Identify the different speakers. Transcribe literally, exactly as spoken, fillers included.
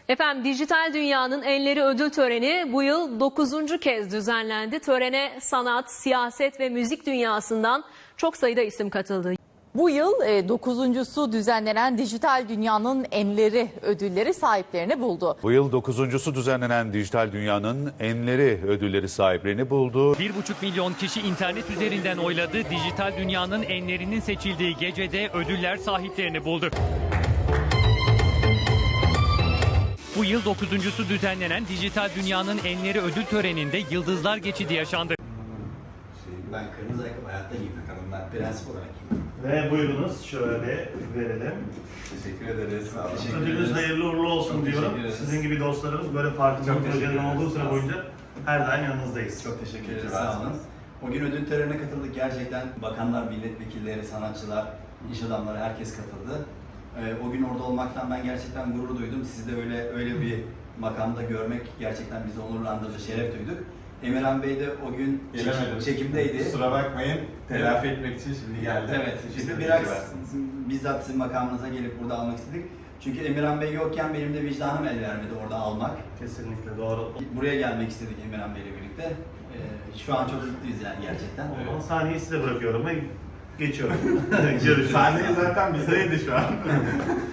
Speaker 1: Efendim Dijital Dünya'nın Enleri Ödül Töreni bu yıl dokuzuncu kez düzenlendi. Törene sanat, siyaset ve müzik dünyasından çok sayıda isim katıldı.
Speaker 2: Bu yıl e, dokuzuncusu düzenlenen Dijital Dünya'nın Enleri ödülleri sahiplerini buldu.
Speaker 3: Bu yıl dokuzuncusu düzenlenen Dijital Dünya'nın Enleri ödülleri sahiplerini buldu.
Speaker 4: Bir buçuk milyon kişi internet üzerinden oyladı. Dijital Dünya'nın enlerinin seçildiği gecede ödüller sahiplerini buldu. Bu yıl dokuzuncusu düzenlenen Dijital Dünya'nın Enleri ödül töreninde Yıldızlar Geçidi yaşandı.
Speaker 5: Ben kırmızı ayakkabı hayatta giymem. Ben prensip olarak giymem.
Speaker 6: Ve buyurunuz şöyle verelim.
Speaker 5: Teşekkür ederiz. Sağ olun. Teşekkür
Speaker 6: Ödülünüz
Speaker 5: ederiz.
Speaker 6: hayırlı uğurlu olsun
Speaker 5: Çok
Speaker 6: diyorum.
Speaker 5: teşekkür ederiz.
Speaker 6: Sizin gibi dostlarımız böyle farklı
Speaker 5: Çok
Speaker 6: bir
Speaker 5: teşekkür
Speaker 6: projelerin
Speaker 5: ederiz.
Speaker 6: olduğu süre
Speaker 5: Sağ olun.
Speaker 6: boyunca her daim yanınızdayız.
Speaker 5: Çok teşekkür ederiz. Sağ olun. O gün ödül törenine katıldık. Gerçekten bakanlar, milletvekilleri, sanatçılar, iş adamları herkes katıldı. Ee, o gün orada olmaktan ben gerçekten gurur duydum. Sizi de öyle öyle bir makamda görmek gerçekten bizi onurlandırdı, şeref duyduk. Emirhan Bey de o gün
Speaker 7: Gelemedim.
Speaker 5: çekimdeydi.
Speaker 7: Kusura bakmayın. Telafi etmek için şimdi geldim.
Speaker 5: Evet, biz de
Speaker 7: Teşekkür
Speaker 5: biraz
Speaker 7: edersiniz.
Speaker 5: bizzat sizin makamınıza gelip burada almak istedik. Çünkü Emirhan Bey yokken benim de vicdanım el vermedi orada almak.
Speaker 6: Kesinlikle doğru.
Speaker 5: Buraya gelmek istedik Emirhan Bey'le birlikte. Ee, şu an çok mutluyuz yani gerçekten.
Speaker 6: O zaman sahneyi size bırakıyorum ve geçiyorum. Görüşürüz.
Speaker 7: Sahne zaten bizdeydi şu an.